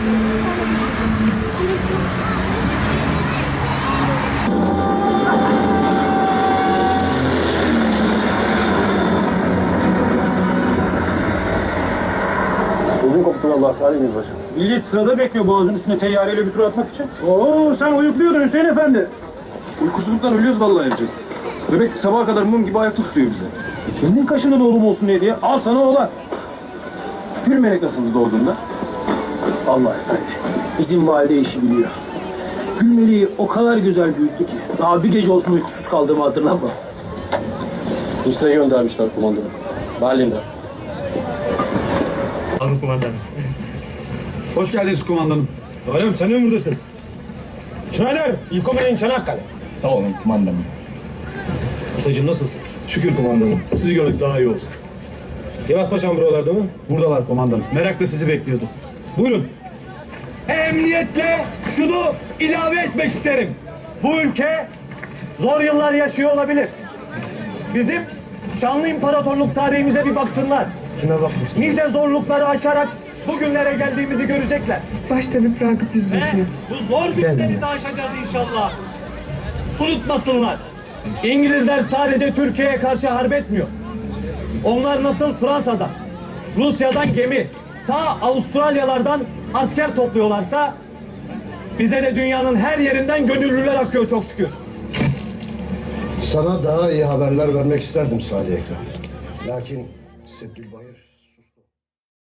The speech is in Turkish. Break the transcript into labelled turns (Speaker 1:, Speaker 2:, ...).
Speaker 1: Bugün koptu vallahi Salih Yüzbaşı.
Speaker 2: Millet sırada bekliyor boğazın üstüne teyyareyle bir tur atmak için. Oo, sen uyukluyordun Hüseyin Efendi.
Speaker 1: Uykusuzluktan ölüyoruz vallahi evcik. Bebek sabaha kadar mum gibi ayakta tutuyor bize.
Speaker 2: Kendin kaşında da oğlum olsun diye. Al sana oğlan.
Speaker 1: Gül melek nasıldı doğduğunda?
Speaker 2: Allah efendi. Bizim valide işi biliyor. Gülmeli'yi o kadar güzel büyüttü ki. Daha bir gece olsun uykusuz kaldığımı hatırlama.
Speaker 1: Hüsnü'ye göndermişler kumandanı. Berlin'de.
Speaker 3: Alın kumandanım.
Speaker 2: Hoş geldiniz kumandanım.
Speaker 3: Oğlum sen mi buradasın? Çanakkale, İlkomen'in Çanakkale.
Speaker 4: Sağ olun kumandanım.
Speaker 3: Ustacığım nasılsın?
Speaker 4: Şükür kumandanım. Sizi gördük daha iyi olduk.
Speaker 3: Cevat Paşam buralarda mı?
Speaker 2: Buradalar kumandanım.
Speaker 3: Merakla sizi bekliyordu. Buyurun. Emniyetle şunu ilave etmek isterim. Bu ülke zor yıllar yaşıyor olabilir. Bizim şanlı imparatorluk tarihimize bir baksınlar.
Speaker 4: Kime bakmış?
Speaker 3: Nice zorlukları aşarak bugünlere geldiğimizi görecekler.
Speaker 5: Başta bir Ragıp Yüzbaşı.
Speaker 3: Bu zor günleri de aşacağız inşallah. Unutmasınlar. İngilizler sadece Türkiye'ye karşı harp etmiyor. Onlar nasıl Fransa'dan, Rusya'dan gemi, ta Avustralyalardan asker topluyorlarsa bize de dünyanın her yerinden gönüllüler akıyor çok şükür.
Speaker 6: Sana daha iyi haberler vermek isterdim Salih Ekrem. Lakin Seddülbahir